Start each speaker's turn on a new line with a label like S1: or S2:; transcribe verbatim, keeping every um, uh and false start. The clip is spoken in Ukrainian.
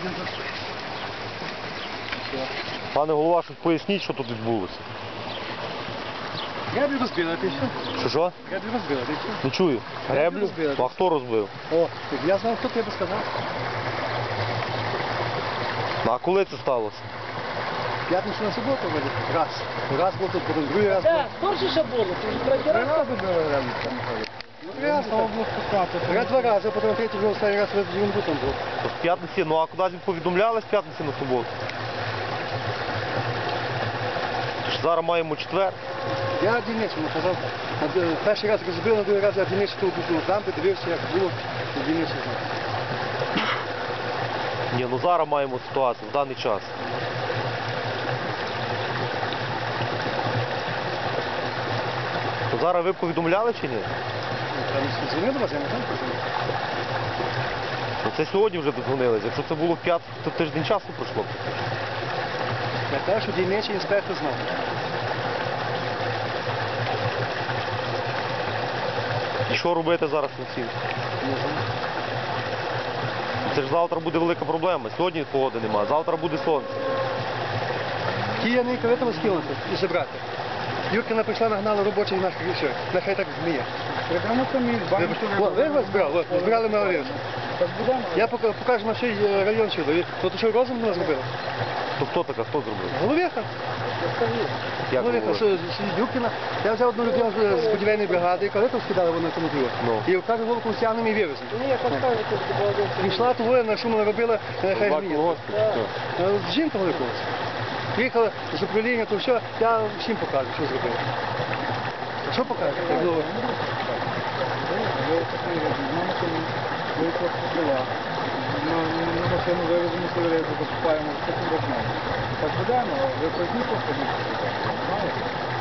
S1: Пане голова, щось поясніть, що тут відбулося.
S2: Греблю розбили, ти що?
S1: Що що?
S2: Греблю розбили, ти що?
S1: Не чую. Греблю?
S2: розбили.
S1: А хто розбив?
S2: О, я знав, хто тебе сказав.
S1: Ну, а коли це сталося?
S2: П'ятницю на суботу вроде. Раз. Раз був тут, потім другий раз був.
S3: Так, скорше ще було, ти вже третій
S2: Три
S3: раз.
S2: рази було реально там. Ну, три рази там було спускати. Я два рази, потім третій вже останній раз в Джунгу там був.
S1: То в п'ятниці, ну а куди ж повідомляли з п'ятниці на суботу? Ж зараз маємо четвер.
S2: Я Дільничому казав, а, е, перший раз розбив, на другий раз я Дільничу тут був там, подивився, як було, і Дільничу знав.
S1: Ні, ну зараз маємо ситуацію, в даний час. То зараз ви повідомляли чи ні?
S2: Там дзвонив до вас, я не знаю, хто дзвонив.
S1: Ну це сьогодні вже додзвонились. Якщо це було в п'ятницю, то тиждень часу пройшло.
S2: Я те, що дільничий інспектор знав.
S1: І що робити зараз на цим? Це ж завтра буде велика проблема. Сьогодні погоди немає, завтра буде сонце.
S2: Кияни коли скинути і забрати. Юркина прийшла, нагнала робочий наш рішив. Нехай так зміє.
S3: Прямо самі,
S2: О, ви вас збирали? От, збирали ми район. Я пока- покажу на чий е, район чудо. То що розум не зробили?
S1: То хто така, хто зробив?
S2: Головіха.
S1: Як
S2: Головіха,
S1: говорить?
S2: що Юркина. Я взяв одну людину з- з будівельної бригади, і коли то скидали вона тому діло.
S1: Ну.
S2: І каже, головку стягнемо і вивеземо.
S3: Ні, я поставлю тут добавив.
S2: Прийшла того, на шуму наробила, нехай гріє. Жінка великого. Приїхала з управління, то все, я всім покажу, що зробила. А що покажу? Я говорю,
S3: Ми машину вивеземо сигарету, покупаємо, потім возьмемо. Так будемо, ви позніть, походіть.